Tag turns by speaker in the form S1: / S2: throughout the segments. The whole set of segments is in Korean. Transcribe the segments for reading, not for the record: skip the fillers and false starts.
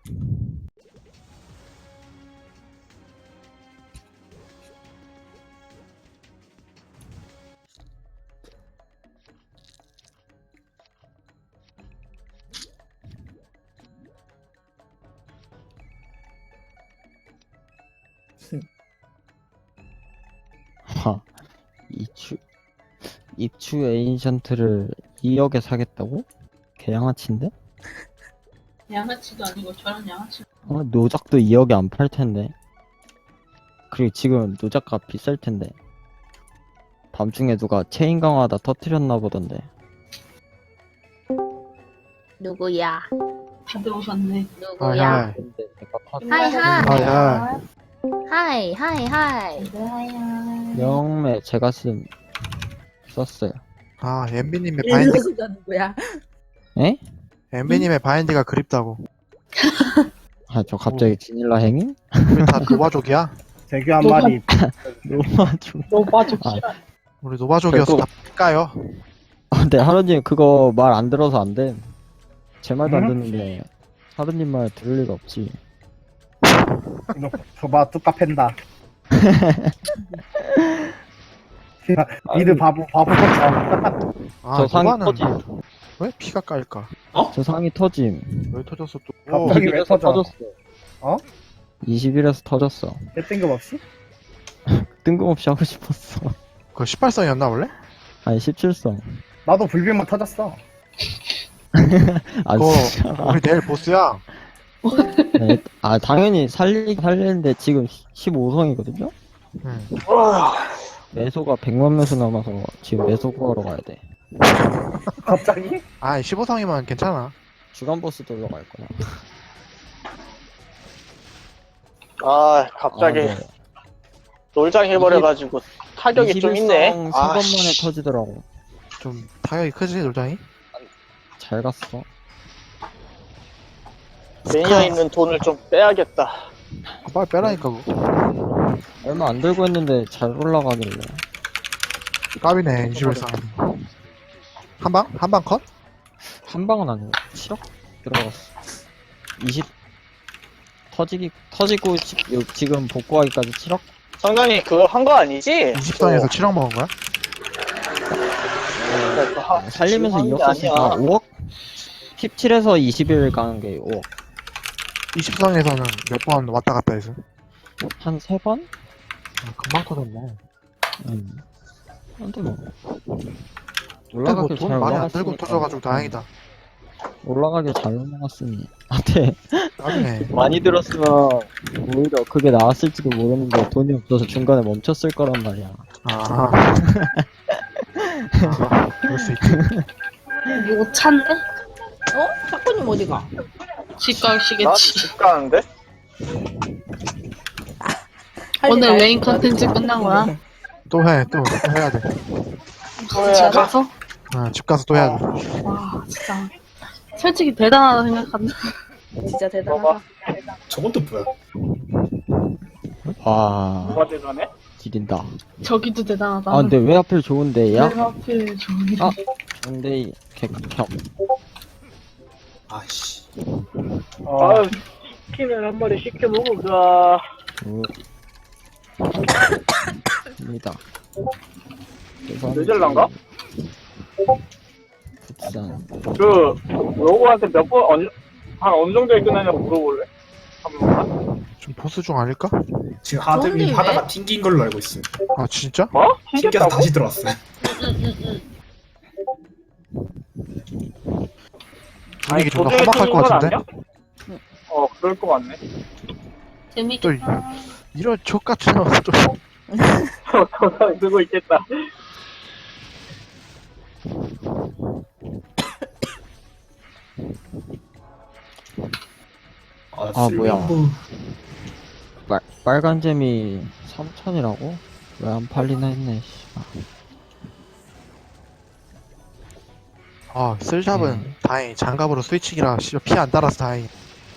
S1: 하, 입추 에인션트를 2억에 사겠다고? 개양아치인데?
S2: 양아치도 아니고 저런 양아치.
S1: 노작도 2억에 안 팔 텐데. 그리고 지금 노작가 비쌀 텐데. 밤중에 누가 체인 강화하다 터트렸나 보던데.
S3: 누구야?
S2: 다들 오셨네.
S3: 누구야?
S1: 근데 내가
S3: 하이 하이
S4: 야.
S3: 하이 하이 하이.
S2: 하야.
S1: 영매 제가 썼어요.
S4: 아, 엠비님의 바인드,
S3: 일로수가 누구야?
S1: 에?
S4: 엠비님의 바인드가 그립다고.
S1: 아, 저 갑자기 지닐라 행인?
S4: 우리 다 노바족이야?
S5: 대규 한 마리.
S1: 너무 좀.
S2: 너 빠져.
S1: 아,
S4: 우리 노바족이어서 다 까요.
S1: 근데 하루님 그거 말 안 들어서 안 돼. 제 말도 안
S5: 응?
S1: 듣는데 하루님 말 들을 리가 없지.
S5: 이거 줘봐 뚜까 팬다. 니들 바보 같아.
S4: 아,
S1: 저 상이
S4: 노바는
S1: 터짐.
S4: 왜 피가 까일까?
S1: 저 상이 터짐.
S4: 왜 터졌어 또?
S5: 갑자기 왜
S1: 21에서
S5: 터져?
S1: 터졌어.
S5: 어?
S1: 21에서 터졌어.
S5: 내 뜬금없이?
S1: 뜬금없이 하고 싶었어.
S4: 그거 18성이었나 원래?
S1: 아니 17성.
S5: 나도 불빛만 터졌어.
S1: 아
S4: 그거
S1: 진짜.
S4: 우리 내일 보스야.
S1: 네, 아 당연히 살리는데 지금 15성이거든요.
S4: 응.
S1: 매소가 100만 매소 남아서 지금 매소 구하러 가야 돼.
S5: 갑자기?
S4: 아, 15성이면 괜찮아.
S1: 주간 보스 돌러 갈 거야.
S6: 아, 갑자기
S1: 네.
S6: 놀장 해버려가지고 타격이 좀 있네.
S1: 21성
S6: 아,
S1: 3번 만에
S6: 씨.
S1: 터지더라고.
S4: 좀 타격이 크지 놀장이?
S1: 잘 갔어.
S6: 매니아 있는 돈을 좀 빼야겠다.
S4: 빨리 빼라니까 그거.
S1: 얼마 안 들고 했는데 잘 올라가길래.
S4: 까비네 21성. 한 방? 한 방 컷?
S1: 한 방은 아니고 7억 들어갔어. 20 터지고 지금 복구하기까지 7억?
S6: 성당이 그거 한 거 아니지?
S4: 20성에서 7억 먹은 거야?
S1: 살리면서
S6: 지금
S1: 2억
S6: 하는 게
S1: 썼으니까
S6: 아니야.
S1: 5억? 17에서 20일 가는 게 5억.
S4: 20성에서는 몇 번 왔다 갔다 해서.
S1: 한 3번?
S4: 아, 금방 터졌네.
S1: 근데 뭐
S4: 근데
S1: 올라가길
S4: 돈
S1: 잘
S4: 많이 안 들고
S1: 올라갔으니까.
S4: 터져가지고 다행이다.
S1: 올라가길 잘 올라갔으니 한테
S4: 까비네.
S1: 많이 들었으면 오히려 그게 나왔을지도 모르는데 돈이 없어서 중간에 멈췄을 거란 말이야.
S4: 아. 그럴 수 있지.
S2: 이거 찬데?
S3: 어? 사건님 어디가?
S2: 집
S6: 나
S2: 가시겠지.
S6: 집 가는데?
S2: 오늘 메인 컨텐츠 끝난 거야?
S4: 또 해, 또 해야 돼.
S6: 또
S2: 집
S6: 해야 돼?
S2: 가서?
S4: 아, 집 가서 또 해야 돼.
S2: 와, 진짜. 솔직히 대단하다 생각한다.
S3: 진짜 대단하다.
S7: 저건 또 뭐야?
S1: 와
S6: 누가 대단해?
S1: 지린다.
S2: 저기도 대단하다.
S1: 아 근데 왜 하필 좋은데 얘야?
S2: 왜 하필 저기.
S1: 아. 근데 객격.
S7: 아씨.
S6: 아, 치킨을 한 마리 시켜 먹을까?
S1: 입니다.
S6: 뇌절난가?
S1: 국산.
S6: 그, 로고한테 한 어느 정도에 끝나냐고 물어볼래? 한 번만?
S4: 좀 보스 중 아닐까?
S7: 지금
S3: 좋은데
S7: 하드님
S3: 왜?
S7: 하다가 튕긴 걸로 알고 있어요.
S4: 아, 진짜?
S6: 뭐?
S7: 튕겨서
S6: 튕겼다고?
S7: 다시 들어왔어요.
S4: 분위기 존나
S6: 도중에
S4: 험악할
S6: 튕긴
S4: 것
S6: 건
S4: 같은데?
S6: 아니야? 그럴 것 같네.
S2: 재밌겠다.
S4: 이런 족같은 놈 좀.
S6: 도장 두고 있겠다.
S1: 아, 뭐야.
S7: 쓸모없고.
S1: 빨간 재미 3,000이라고? 왜 안 팔리나 했네.
S4: 아, 쓸잡은 다행히 장갑으로 스위칭이라 피 안 달아서 다행히.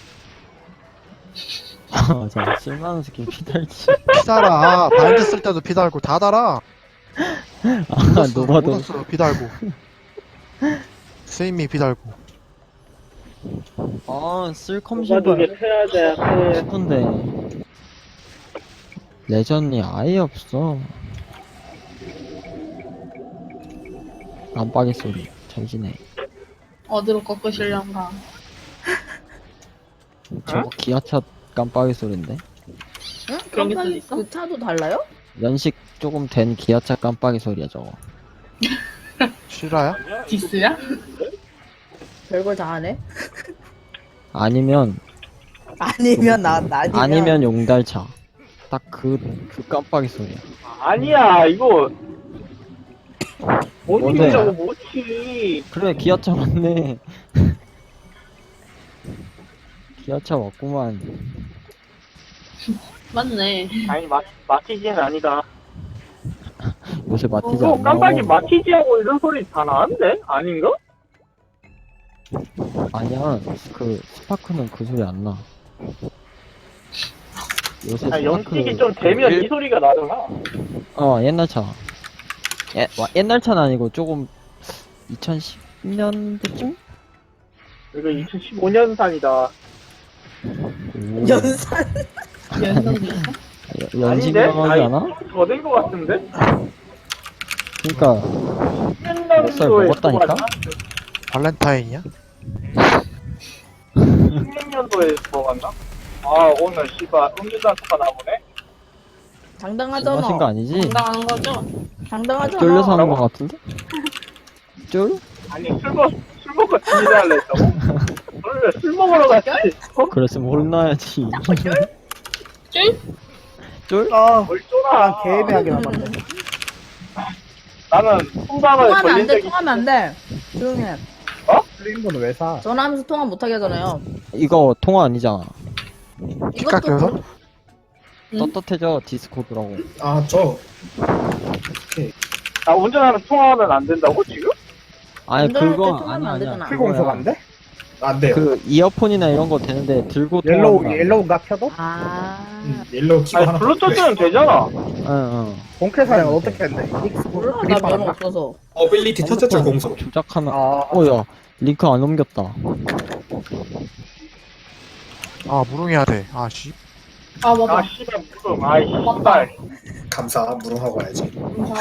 S1: 맞아. 쓸만한 스킬 피달지.
S4: 피 달아. 바인드 쓸 때도 피 달고 다 달아.
S1: 아 노바도.
S4: 모더스로 피 달고. 스윗미 피 달고.
S1: 아, 쓸컴
S6: 누가 두개
S1: 신발
S6: 패야 돼.
S1: 싶은데 레전이 아예 없어. 깜빡이 소리 잠시네.
S2: 어디로 꺾으시려는가.
S1: 저거 기아차 깜빡이 소린데?
S3: 응?
S2: 그런 게 또
S3: 깜빡이
S2: 있어?
S3: 그 차도 달라요?
S1: 연식 조금 된 기아차 깜빡이 소리야 저거.
S4: 실화야?
S2: 디스야?
S3: 별걸 다 하네.
S1: 아니면
S3: 아니면 나왔다.
S1: 아니면 용달차. 딱 그 깜빡이 소리야.
S6: 아니야, 이거. 못
S1: 뭔데?
S6: 이기려고 못치.
S1: 그래 기아차 맞네. 기아차 맞구만.
S2: 맞네.
S6: 아니, 마티지는 아니다.
S1: 요새 마티즈
S6: 그거
S1: 안 나와.
S6: 깜빡이 마티지하고 이런 소리 다 나는데? 아닌가?
S1: 아니야 그 스파크는 그 소리 안 나. 요새
S6: 아니, 연식이
S1: 스파크
S6: 좀 되면 이 소리가 나잖아.
S1: 옛날 차. 옛날 차는 아니고 조금 2010년대쯤?
S6: 이거 2015년산이다.
S3: 연산.
S2: 연성도 있어?
S1: 연식명하지 않아?
S6: 더된 것 같은데?
S1: 그니까
S6: 16년도에
S1: 먹었다니까?
S4: 발렌타인이야?
S6: 16년도에 먹었나? 아, 오늘 씨발 음주단수가 나보네?
S1: 술
S3: 당당하잖아.
S1: 마신 거 아니지?
S2: 당당한 거죠?
S3: 당당하잖아.
S1: 쫄려서 하는 거 같은데? 쫄?
S6: 아니, 술 먹고 지내달래 했다고? 원래 술 먹으러 갔지.
S1: 그랬으면 혼나야지.
S2: 쫄?
S1: 쫄?
S5: 아,
S6: 뭘 쫄아.
S5: 난 개애매하게 남았네.
S6: 나는 통감을
S3: 통화하면 안
S6: 걸린
S3: 돼.
S6: 적이
S3: 통화하면 안 돼. 조용히 해.
S5: 틀린 거는 왜 사?
S3: 전화하면서 통화 못 하게 하잖아요.
S1: 이거 통화 아니잖아.
S3: 이것도
S4: 깎여서?
S3: 그-
S2: 응?
S1: 떳떳해져 디스코드라고.
S7: 아, 저.
S6: 나 운전하는 통화는 안 된다고, 지금?
S1: 아니
S3: 운전할 때
S1: 그거
S3: 통화하면
S1: 아니야
S3: 안
S1: 아니야.
S3: 되잖아.
S5: 풀공석 안 돼?
S7: 안 돼요.
S1: 그 이어폰이나 이런 거 되는데 들고
S5: 옐로우,
S1: 통화하면
S5: 옐로우가 켜도?
S3: 아.
S7: 옐로우 키고
S6: 아니,
S7: 하나.
S6: 블루투스는 되잖아.
S1: 응응.
S5: 본캐 사양은 어떻게 했는데?
S3: 몰라, 나
S5: 그립
S3: 면허
S5: 안
S3: 없어서.
S7: 어빌리티 터졌죠, 공소.
S1: 조작하면
S5: 아,
S1: 어야 링크 안 옮겼다.
S4: 아 무릉해야 돼. 아 씨.
S2: 아, 맞다.
S6: 아, 씨발, 무슨, 아이, 씨발.
S7: 감사, 무릉하고 와야지.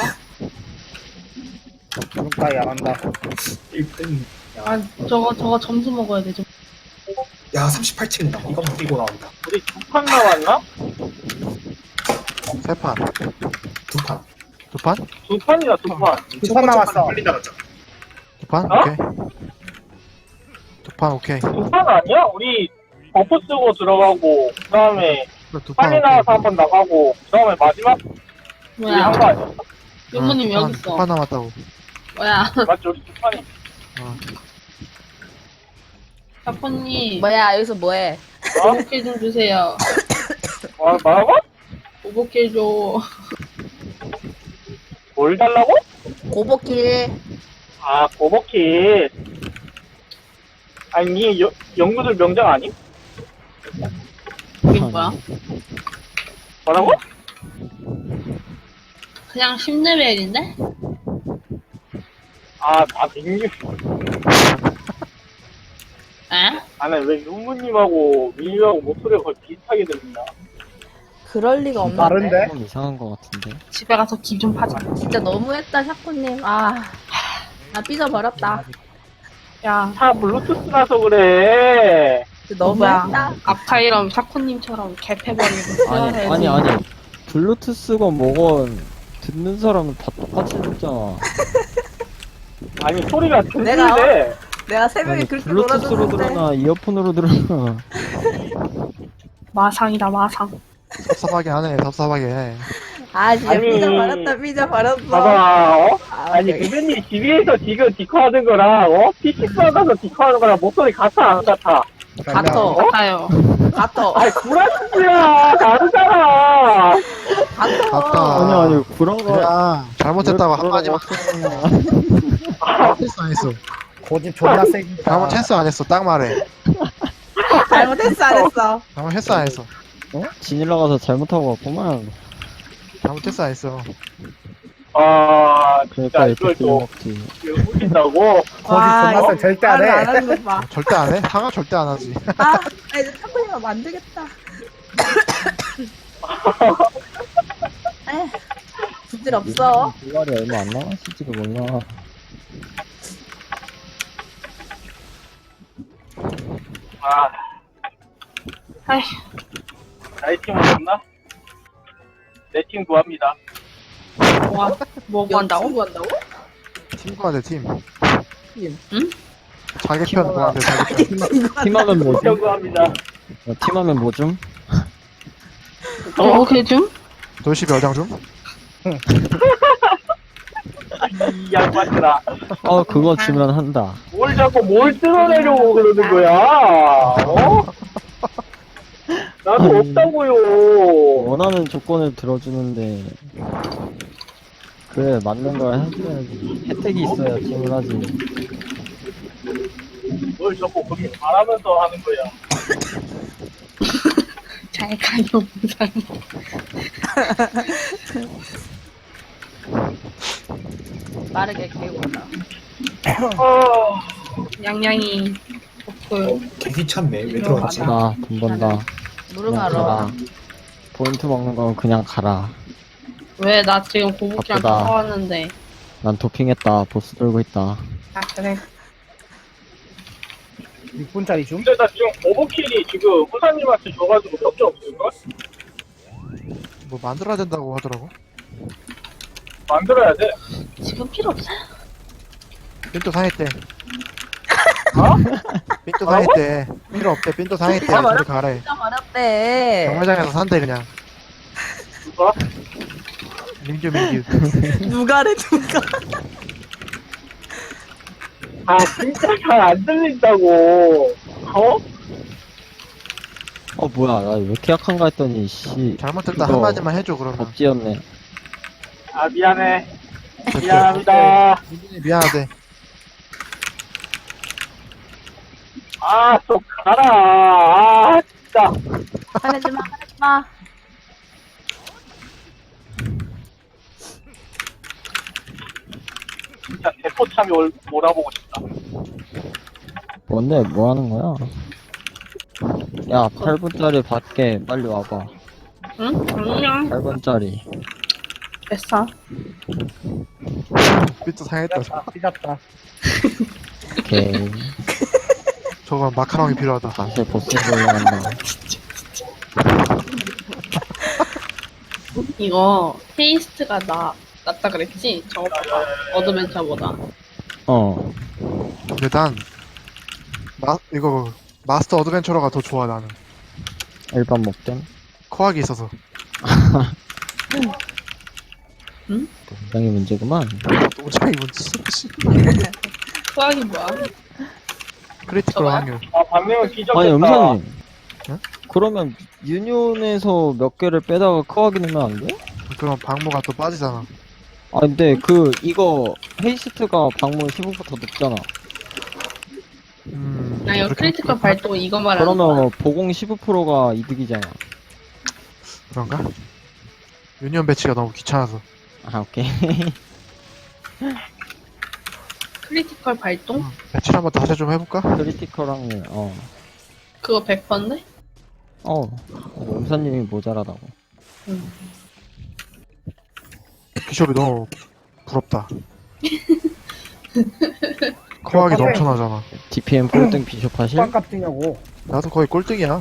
S5: 눈가이 안 한다.
S7: 1등.
S2: 아, 저거 점수 먹어야 되죠.
S7: 야, 38층이다. 이거 못 이고 나온다.
S6: 우리 2판 남았나?
S4: 세 판.
S7: 두 판.
S4: 두 판?
S6: 2판이나 2판.
S5: 두 판 남았어.
S7: 빨리 나갔죠.
S4: 두 판?
S6: 어?
S4: 오케이. 두 판 오케이.
S6: 2판 아니야? 우리 버프 쓰고 들어가고, 그 다음에
S4: 그래, 두 판.
S6: 빨리
S4: 오케이.
S6: 나와서 한 번 나가고, 그 다음에 마지막 우리 한 거
S2: 뭐야?
S6: 아니야?
S2: 유모님 여기
S4: 두
S2: 있어.
S4: 판 남았다고.
S2: 뭐야?
S6: 맞지? 우리 2판이.
S2: 사포님,
S3: 뭐야, 여기서 뭐해?
S2: 오복길 좀 주세요.
S6: 뭐라고?
S2: 오복길 줘.
S6: 뭘 달라고?
S3: 고복길.
S6: 아, 고버킷. 아니, 니 연구들 명장 아니?
S2: 이게 뭐야?
S6: 뭐라고?
S2: 그냥 10레벨인데?
S6: 아, 민규.
S2: 에?
S6: 아니, 왜 윤무님하고 민규하고 목소리가 거의 비슷하게 들린다.
S3: 그럴 리가 없는데.
S5: 다른데?
S1: 좀 이상한 거 같은데.
S2: 집에 가서 기 좀 파자.
S3: 진짜 너무했다, 샤코님. 아. 나 삐져버렸다.
S2: 야,
S6: 차 블루투스라서 그래.
S3: 진짜 너무했다.
S2: 아까 이런 샤코님처럼 개패버리고
S1: 아니 블루투스건 뭐건 듣는 사람은 다 똑같이 듣잖아.
S6: 아니, 소리가
S3: 내가
S6: 들리는데.
S3: 내가 새벽에
S1: 아니,
S3: 그렇게
S1: 블루투스로
S3: 놀아줬는데.
S1: 들으나 이어폰으로 들으나.
S2: 마상이다 마상.
S4: 섭섭하게 하네. 섭섭하게 해.
S3: 아, 진짜
S6: 아니.
S3: 삐져버렸다.
S6: 봐봐, 어?
S3: 아,
S6: 아니,
S3: 되게-
S6: 그분이 집에서 지금 디코하는 거랑, 어? PC 받아서 디코하는 거랑 목소리 같아, 안 같아?
S3: 같어.
S2: 같아요.
S3: 같어.
S6: 아니, 구라치야! 다르잖아!
S3: 같어.
S4: 맞다.
S1: 아니 구라가.
S4: 그래. 잘못했다고 한마디만. 잘못했어 안 했어.
S5: 고집 존나 세긴다.
S4: 잘못했어 안 했어. 딱 말해.
S3: 잘못했어, 안 했어.
S4: 잘못했어 안 했어.
S1: 지닐러 가서 잘못하고 왔구만.
S4: 잘못했어 안 했어.
S6: 아,
S1: 그러니까
S6: 진짜
S1: 이렇게
S6: 이걸 또
S1: 빌려먹지.
S6: 웃긴다고?
S5: 거짓 존나 세. 절대 안
S3: 말을 안
S5: 해.
S3: 하는 거 봐.
S4: 절대 안 해? 상하 절대 안 하지.
S3: 아, 이제 탁구님은 안 되겠다. 에휴, 부질 없어.
S1: 불날이 얼마 안 남았을지도 몰라.
S6: 아,
S2: 아이,
S6: 나의 팀은 없나? 내 팀 구합니다.
S2: 뭐 한다고?
S3: 구한다고?
S4: 팀 구하자, 팀.
S2: 응?
S4: 자기 편 구하자, 자기 편.
S1: 팀하면 뭐 줌?
S6: 편 구합니다.
S1: 팀하면 뭐 줌?
S2: 오케이 좀?
S4: 도시 몇 장 좀?
S6: 이 양반들아.
S1: 그거 주면 한다.
S6: 뭘 자꾸 뭘 뜯어내려고 그러는 거야? 어? 나도
S1: 아니.
S6: 없다고요.
S1: 원하는 조건을 들어주는데 그래 맞는 걸 해줘야지. 혜택이 있어야 팀을 하지.
S6: 뭘 자꾸 그렇게 말하면서 하는 거야.
S2: 잘 가요 부산.
S3: 빠르게 개고다.
S6: 어,
S2: 양양이 그
S7: 개 귀찮네. 왜 들어왔지?
S1: 나 돈 번다. 그냥
S3: 무릉하러.
S1: 가라. 포인트 먹는 건 그냥 가라.
S2: 왜 나 지금 고복이랑
S1: 바쁘다.
S2: 싸웠는데.
S1: 난 도핑했다. 보스 들고 있다.
S2: 아 그래.
S5: 6분짜리 줌?
S6: 근데 나 지금 오버킬이 지금 후사님한테 줘가지고 몇 개 없을걸?
S4: 뭐 만들어야 된다고 하더라고.
S6: 만들어야 돼.
S2: 지금 필요 없어.
S4: 삔또 상했대.
S6: 어?
S4: 삔또 상했대. 필요 없대. 삔또 상했대. 저리 가래.
S3: 진짜 어렵대.
S4: 경매장에서 산대, 그냥.
S6: 누가?
S4: 민규, 민규.
S3: 누가래, 누가.
S6: 아 진짜 잘 안 들린다고. 어?
S1: 뭐야 나 왜 이렇게 약한가 했더니 씨
S4: 잘못했다.
S1: 이거
S4: 한마디만 해줘, 그러면.
S1: 법지였네.
S6: 아 미안해. 미안합니다.
S4: 민규님 미안하대.
S6: 아 좀 가라. 아 진짜.
S3: 화내지 마, 화내지 마.
S6: 진짜 대포참이 몰아보고 싶다.
S1: 뭔데 뭐 하는 거야? 야 8분짜리 받게 빨리 와봐.
S2: 응? 안녕.
S1: 8분짜리.
S2: 됐어.
S4: 삔또 상했다.
S5: 삐졌다.
S1: 오케이.
S4: 저건 마카롱이 필요하다.
S1: 다시 보스로 올라간다.
S2: 이거 테이스트가 낫다 그랬지? 저거보다 어드벤처보다.
S4: 근데 난 이거 마스터 어드벤처러가 더 좋아. 나는
S1: 일반 먹점.
S4: 코악이 있어서.
S1: 굉장히 문제구만.
S4: 노장이 뭔지.
S2: 수학이 뭐야?
S4: 크리티컬
S2: 저거야?
S4: 확률.
S6: 아 반면은 기적했다.
S1: 아니 음사님.
S4: 응?
S1: 그러면 유니온에서 몇 개를 빼다가 크하게 넣으면 안 돼?
S4: 그럼 방모가 또 빠지잖아.
S1: 아 근데 이거 헤이스트가 방문 15% 더 높잖아.
S2: 나 이거
S4: 그렇게-
S2: 크리티컬 발동 이거 말하는 거야.
S1: 그러면 보공 15%가 이득이잖아.
S4: 그런가? 유니온 배치가 너무 귀찮아서.
S1: 아 오케이.
S2: 크리티컬 발동?
S4: 배치를 한번 다시 좀 해볼까?
S1: 크리티컬 확률.
S2: 그거 100%인데?
S1: 음사님이 모자라다고.
S4: 비숍이 너무 부럽다. 코악이 넘쳐나잖아.
S1: DPM 꼴등 비숍 하실?
S5: 빵값 뛰냐고.
S4: 나도 거의 꼴등이야.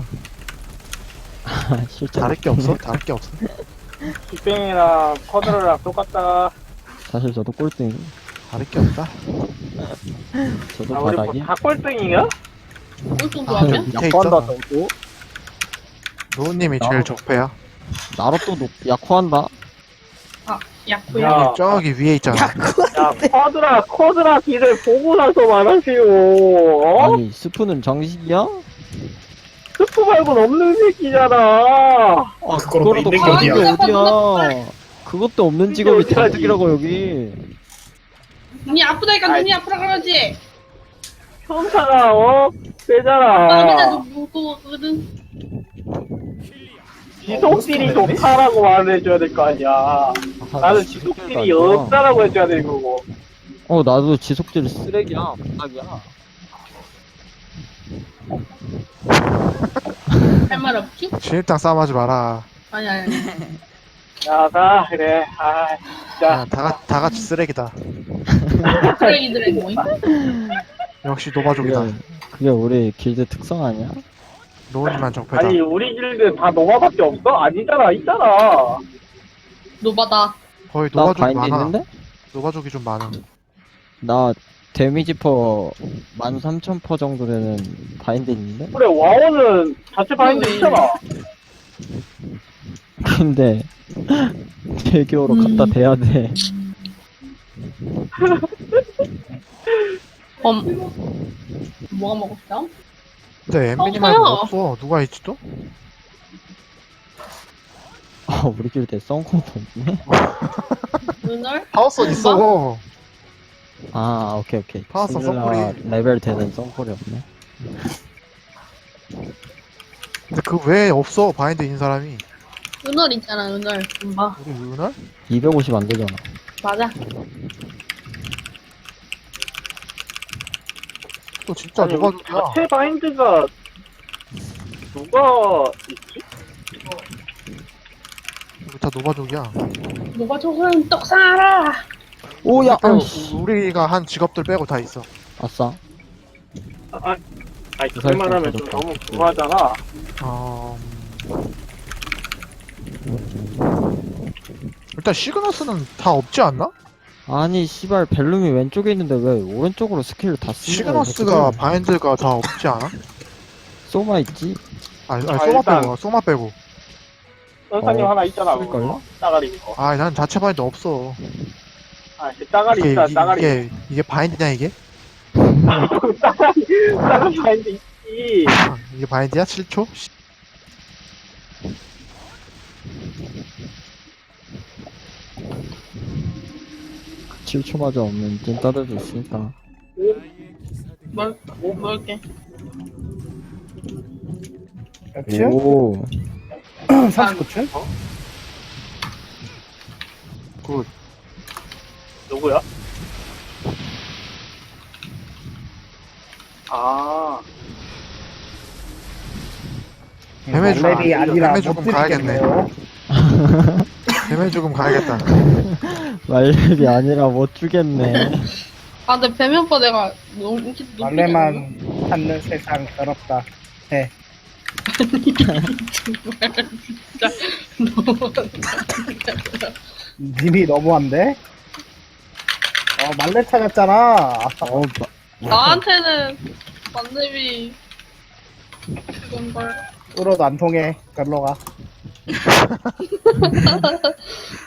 S1: 실제
S4: 다를 게 없어? 다를 게 없어.
S6: 빅뱅이랑 커드랑 똑같다.
S1: 사실 저도 꼴등.
S4: 다를 게 없다.
S1: 저도
S6: 아 우리
S1: 바닥이.
S6: 뭐다 꼴등이야?
S2: 꿀뚱도 하면?
S4: 밑에
S1: 약화한다
S4: 있잖아.
S1: 저도.
S4: 노우님이 제일 적폐야.
S1: 나로 또 약화한다.
S2: 야쿠야.
S6: 야.
S4: 저기 위에 있잖아.
S6: 야 커드라 길을 보고 나서 말하세요. 어?
S1: 아니 스프는 정식이야?
S6: 스프 말고는 없는 새끼잖아.
S7: 그거로
S1: 그거라도
S7: 있는 게
S1: 가진 게
S2: 어디야?
S1: 어디야? 그것도 없는 직업이
S6: 이게 어디야지?
S1: 잔뜩이라고 여기.
S2: 눈이 아프다니까
S6: 아이.
S2: 눈이 아프라 그러지.
S6: 형사가
S2: 아
S6: 세잖아.
S2: 맨날 눈 무거거든.
S6: 지속딜이 좋다라고 말을 해줘야 될 거 아니야. 나는
S1: 지속딜도
S6: 지속딜이
S1: 안 좋아.
S6: 없다라고 해줘야 되는 거고.
S1: 나도 지속딜 쓰레기야. 바닥이야.
S2: 할 말 없지?
S4: 진입장 싸움하지 마라.
S2: 아니, 아니.
S6: 야, 가, 그래. 아, 진짜.
S4: 야, 다 같이 쓰레기다.
S2: 쓰레기들의 모임?
S4: 역시 노바족이다.
S1: 그게 우리 길드 특성 아니야?
S4: 노은이만 적폐다.
S6: 아니, 우리 길드 다 노마밖에 없어? 아니잖아, 있잖아.
S2: 노바다.
S4: 거의
S1: 나
S4: 노바족이
S1: 바인드
S4: 많아.
S1: 있는데?
S4: 노바족이 좀 많아.
S1: 나 데미지 퍼 13,000% 정도 되는 바인드 있는데?
S6: 그래, 와우는 자체 바인드 있잖아.
S1: 근데 대교로 갖다 대야 돼.
S2: 뭐가 먹었어?
S4: 근데 엠비님
S2: 저요.
S4: 말고 없어. 누가 있지 또?
S1: 우리 길드에 썬코도 없네?
S2: 눈을?
S4: 파워선 있어.
S1: 오케이.
S4: 파워선
S1: 신들라
S4: 썬콜이.
S1: 레벨 되는 썬콜이 없네.
S4: 근데 그 외에 없어. 바인드 있는 사람이.
S2: 은월 있잖아, 은월. 봐.
S4: 우리 은할?
S1: 250 안 되잖아.
S2: 맞아.
S4: 또 진짜
S6: 아니,
S4: 노바족이야.
S6: 자체 바인드가 누가 있지?
S4: 우리 다 노바족이야.
S2: 노바 조선 떡 사라!
S1: 오야!
S4: 우리가 한 직업들 빼고 다 있어.
S1: 아싸.
S6: 아니, 그만 하면 좀 너무 그거하잖아.
S4: 일단 시그너스는 다 없지 않나?
S1: 아니 씨발 벨룸이 왼쪽에 있는데 왜 오른쪽으로 스킬을 다 쓰는 거야?
S4: 시그너스가 바인드가 다 없지 않아?
S1: 소마 있지?
S4: 아니
S6: 아,
S4: 소마
S6: 일단-
S4: 빼고 소마 빼고.
S6: 선사님 하나 있잖아. 그거.
S1: 쓸걸요?
S6: 따가리 있고.
S4: 난 자체 바인드 없어.
S6: 그 따가리 있다, 따가리.
S4: 이게 바인드냐 이게?
S6: 따가리 바인드 있지.
S4: 이게 바인드야? 7초?
S1: 7초마저 없는 찐따들도 있으니까.
S2: 뭘게?
S5: 몇층?
S1: 오
S5: 39층?
S6: 누구야? 아,
S4: 뱀의 죽음.
S5: 랩이 아니라
S4: 뱀의
S5: 못
S4: 죽음 가야겠네.
S5: 드리겠네요.
S4: 뱀의 죽음 가야겠다.
S1: 말렙이 아니라 못 주겠네.
S2: 아, 근데 뱀이 오빠 내가 너무 인기 높이
S5: 막내만 찾는 세상 더럽다. 해. 님이 너무한데? 말레 찾았잖아.
S2: 나한테는 만렙이 그건걸.
S5: 뚫어도 안 통해. 별로 가.